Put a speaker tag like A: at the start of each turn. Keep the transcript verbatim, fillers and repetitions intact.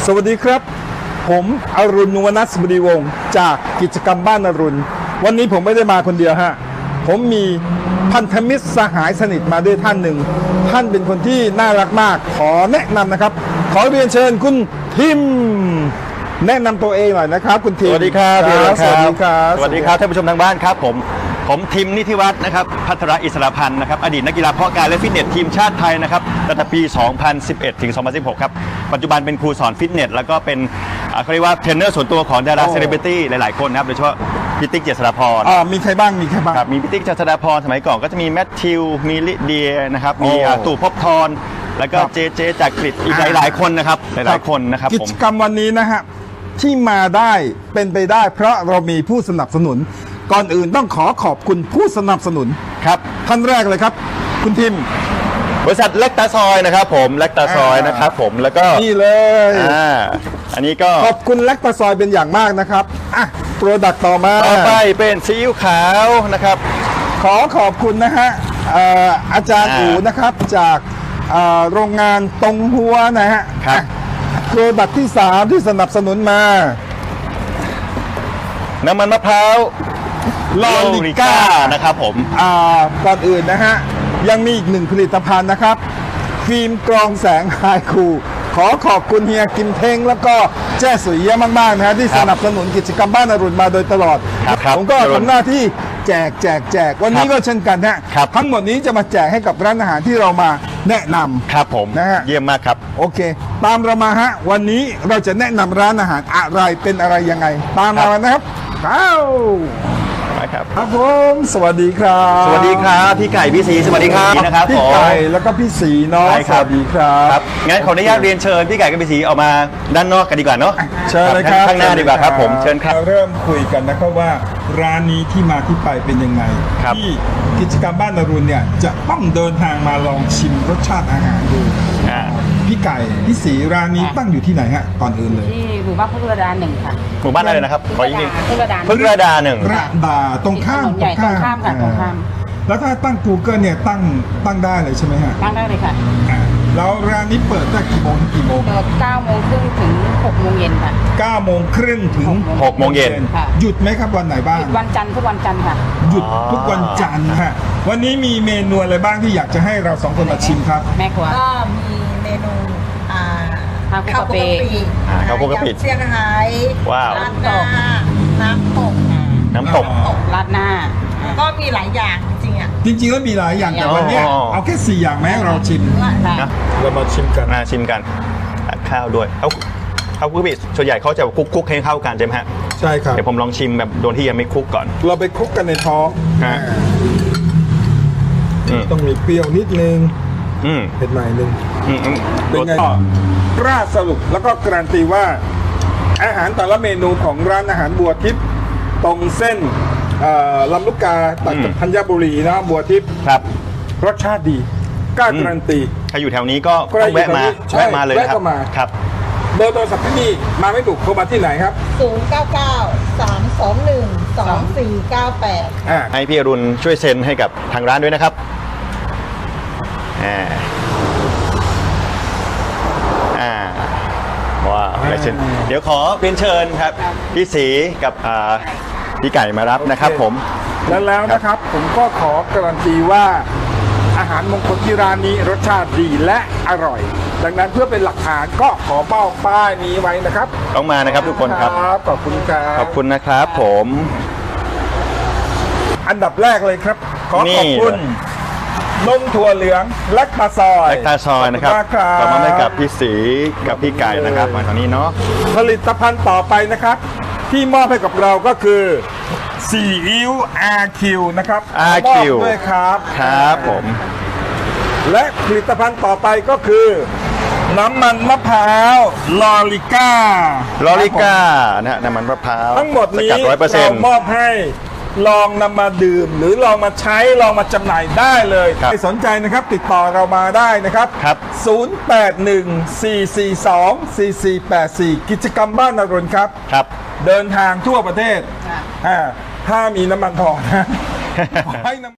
A: สวัสดีครับผมอรุณ นวนัสบดีวงศ์จากกิจกรรมบ้านอรุณวันนี้ผมไม่ได้มาคนเดียวฮะผมมีพันธมิตรสหายสนิทมาด้วยท่านหนึ่งท่านเป็นคนที่น่ารักมากขอแนะนำนะครับขอเรียนเชิญคุณทิมแนะนำตัวเองหน่อยนะครับคุณทิม
B: สวัสดีครับ
A: สวัสดีครับ
B: สวัสดีครับท่านผู้ชมทางบ้านครับผมผมทิมนิธิวัฒน์นะครับพัทรอิสระพันธ์นะครับอดีตนักกีฬาเพาะกายและฟิตเนสทีมชาติไทยนะครับตั้งแต่ปี สองพันสิบเอ็ด ถึง สองพันสิบหก ครับปัจจุบันเป็นครูสอนฟิตเนสแล้วก็เป็นอ่าเขาเรียกว่าเทรนเนอร์ส่วนตัวของดาราเซเลบริตี้หลายๆคนนะครับโดยเฉพาะพิติกเจษฎาพร
A: อ่ามีใครบ้างมีใครบ้าง
B: ครับมีพิติกเจษฎาพรสมัยก่อนก็จะมีแมทธิวมีลิเดียนะครับมี
A: โอ้
B: อ่าตู่ภพบทรแล้วก็
A: ครับ
B: เจเจจากกรีฑอีกหลายๆคนนะครับหลายๆคนนะครับ
A: กิ
B: ผม
A: จกรรมวันนี้นะฮะที่มาได้เป็นไปได้ เพราะเรามีผู้สนับสนุน ก่อนอื่นต้องขอขอบคุณผู้สนับสนุน
B: ครับ
A: ท่านแรกเลยครับ คุณทิม
B: บริษัทเล็กตาซอยนะครับผมเล็กตาซอยนะครับผมแล้วก็
A: นี่เลย
B: อ่าอันนี้ก็
A: ขอบคุณแลคตาซอยเป็นอย่างมากนะครับอ่ะโปรดักต์ต่อมา
B: ต่อไปเป็นซีอิ๊วขาวนะครับ
A: ขอขอบคุณนะฮะเอ่ออาจารย์
B: อ่า
A: อูนะครับจากเอ่อโรงงานตรงหัวนะฮะ
B: ครับ
A: โปรดักต์ที่สามที่สนับสนุนมา
B: น้ำมันมะพร้าว
A: ลอริก้า
B: นะครับผม
A: อ่าก่อนอื่นนะฮะยังมีอีกหนึ่งผลิตภัณฑ์นะครับ ฟิล์มกรองแสงไฮคูขอขอบคุณเฮียกิมเท้งแล้วก็แจ้สุยเยี่ยมมากๆนะฮะที่
B: ครั
A: ส
B: บ
A: นับสนุนกิจกรรมบ้านอรุณมาโดยตลอด
B: ครับครับ
A: ผมก็ทำหน้าที่แจกแจกแจกวันนี้
B: ครับ
A: ก็เช่นกันฮะ
B: ครับ
A: ทั้งหมดนี้จะมาแจกให้กับร้านอาหารที่เรามาแนะนำ
B: ครับผม
A: นะฮะ
B: เยี่ยมมากครับ
A: โอเค ตามเรามาฮะวันนี้เราจะแนะนำร้านอาหารอะไรเป็นอะไรยังไง ตามมานะครับเข้า
B: มาครับ
A: ครับผมสวัสดีครับ
B: สวัสดีครับพี่ไก่พี่สีสวัสดีครับนะครับ
A: พี่
B: ผม
A: ไก่แล้วก็พี่สีเนาะ
B: ใช่
A: ส
B: ครับ
A: วัสดีครับ
B: ครับงั้นขออนุญาตเรียนเชิญพี่ไก่กับพี่สีออกมาด้านนอกกันดีกว่าเนาะ
A: เชิญเลยครับ
B: ข้างหน้าดีกว่าครับผมเชิญครับ
A: เริ่มคุยกันนะครับว่าร้านนี้ที่มาที่ไปเป็นยังไง
B: ครับ
A: ที่กิจกรรมบ้านอรุณเนี่ยจะต้องเดินทางมาลองชิมรสชาติอาหารดู
B: อ่า
A: พี่ไก่พี่สีร้านนี้ตั้งอยู่ที่ไหนฮะก่อนอื่นเลย
C: ที่หมู่บ้านพุทธระดาหนึ่งค่ะ
B: หมู่บ้านอะไรนะครับขออีกนิด
C: พุทธระดา
B: พึ่งระดาหนึ่ง
A: ระดาตรงข้าม
C: ถนนใหญ่ตรงข้ามค่ะตรงข้าม
A: แล้วถ้าตั้ง Google เนี่ยตั้งตั้งได้เลยใช่ไหมฮะ
C: ตั้งได้เลยค่ะ
A: อ่าแล้วร้านนี้เปิดตั้งกี่โมงถึงกี่โมง
C: เปิดเก้าโมงครึ่งถึงหกโมงเย็นค่ะ
A: เก้าโมงครึ่งถึง
B: หกโมงเย็น
C: ค่ะ
A: หยุดไหมครับวันไหนบ้าง
C: หยุดวันจันทร์ทุกวันจันทร์ค่ะ
A: หยุดทุกวันจันทร์ฮะวันนี้มีเมนูอะไรบ้างที่อยากจะให้เราสองคนมาชิมครับ
C: แม่ครัว
D: ก็มีเมนูอ่า
C: ข้าวคลุกกะปิ
B: อ่าข้าวคลุกกะปิ
D: ยำเซี่ยงไฮ้
B: ว้าว
D: ราดหน้าน้ำตก
B: น้ำตก
C: ราดหน้า
D: ก็มีหลายอย่างจริงๆอ่ะ
A: จริงๆแล้วมีหลายอย่างแต่วันเนี้ย
B: อ๋อ
A: เอาแค่สี่อย่างไหมให้เราชิม
C: ค่ะ
B: นะ
A: เรามาชิมกัน
B: มาชิมกันตัดข้าวด้วยเขาเขาคุกบิส่วนใหญ่เขาจะคลุกคุกให้เข้ากันใช่ไหมฮะ
A: ใช่ครับ
B: เดี๋ยวผมลองชิมแบบโดนที่ยังไม่คลุกก่อน
A: เราไปคลุกกันในท้อง
B: ฮะ อืม
A: ต้องมีเปรี้ยวนิดนึง
B: อืม
A: เผ็ดหน่อยนึง
B: อืมอืม
A: เป็นไงราดสรุปแล้วก็การันตีว่าอาหารแต่ละเมนูของร้านอาหารบัวทิพย์ตรงเส้นเอ่อลำลูกกาตัดกับธัญบุรีนะบัวทิพย์
B: ครับ
A: รสชาติดีกล้าการันตี
B: ใครอยู่แถวนี้ก็
A: ใคร
B: ต้องแวะมา
A: อยู่แถวนี้ใช่
B: แวะมาเลยนะครับ
A: แวะเข้ามา
B: ครับ
A: เบอร์โทรศัพท์ที่นี่มาไม่ถูกโทรมาที่ไหนครับ
D: ศูนย์ เก้า เก้า สาม สอง หนึ่ง สอง สี่ เก้า แปด
A: อ่า
B: ให้พี่อรุณช่วยเซ็นให้กับทางร้านด้วยนะครับอ่าอ่าว้าวลายเซ็นเดี๋ยวขอเรียนเชิญครับ พี่สีกับอ่าพี่ไก่มารับนะครับผม
A: แล้วแล้วนะครับผมก็ขอการันตีว่าอาหารมงคลที่ร้านนี้รสชาติดีและอร่อย ดังนั้นเพื่อเป็นหลักฐานก็ขอเป้าป้ายนี้ไว้นะครับ
B: ต้องมานะครับทุกคนครับ
A: ขอบคุณครับ
B: ขอบคุณนะครับผม
A: อันดับแรกเลยครับ ขอ
B: นี่
A: ขอบคุณนมถั่วเหลืองและคาซอย
B: แลคตาซอยนะครับ
A: ขอณมากครับ
B: ขอบคุณให้กับพี่สีกับพี่ไก่นะครับมาตอนนี้เนาะ
A: ผลิตภัณฑ์ต่อไปนะครับ ที่มอบให้กับเราก็คือซีอิ๊ว อาร์ คิว นะครับ
B: อาร์
A: ม
B: คิว
A: อบด้วยครับ
B: ครับผม
A: และผลิตภัณฑ์ต่อไปก็คือ น้ำมันมะพร้าวลอริก้า
B: ลอริก้านะฮะน้ำมันมะพร้าว
A: ทั้งหมดนี้
B: สกัดร้อยเปอร์เซ็น
A: เรา
B: ต์
A: มอบให้ลองนำมาดื่ม หรือลองมาใช้ลองมาจำหน่ายได้เลย
B: ครับ
A: ใครสนใจนะครับติดต่อเรามาได้นะครับ
B: ครับ
A: ศูนย์ แปด หนึ่ง สี่ สี่ สอง สี่ สี่ แปด สี่ กิจกรรมบ้านอรุณครับ
B: ครับ
A: เดินทางทั่วประเทศ
C: ค่ะ
A: อ่าถ้ามีน้ำมันทองนะ ขอให้น้ำ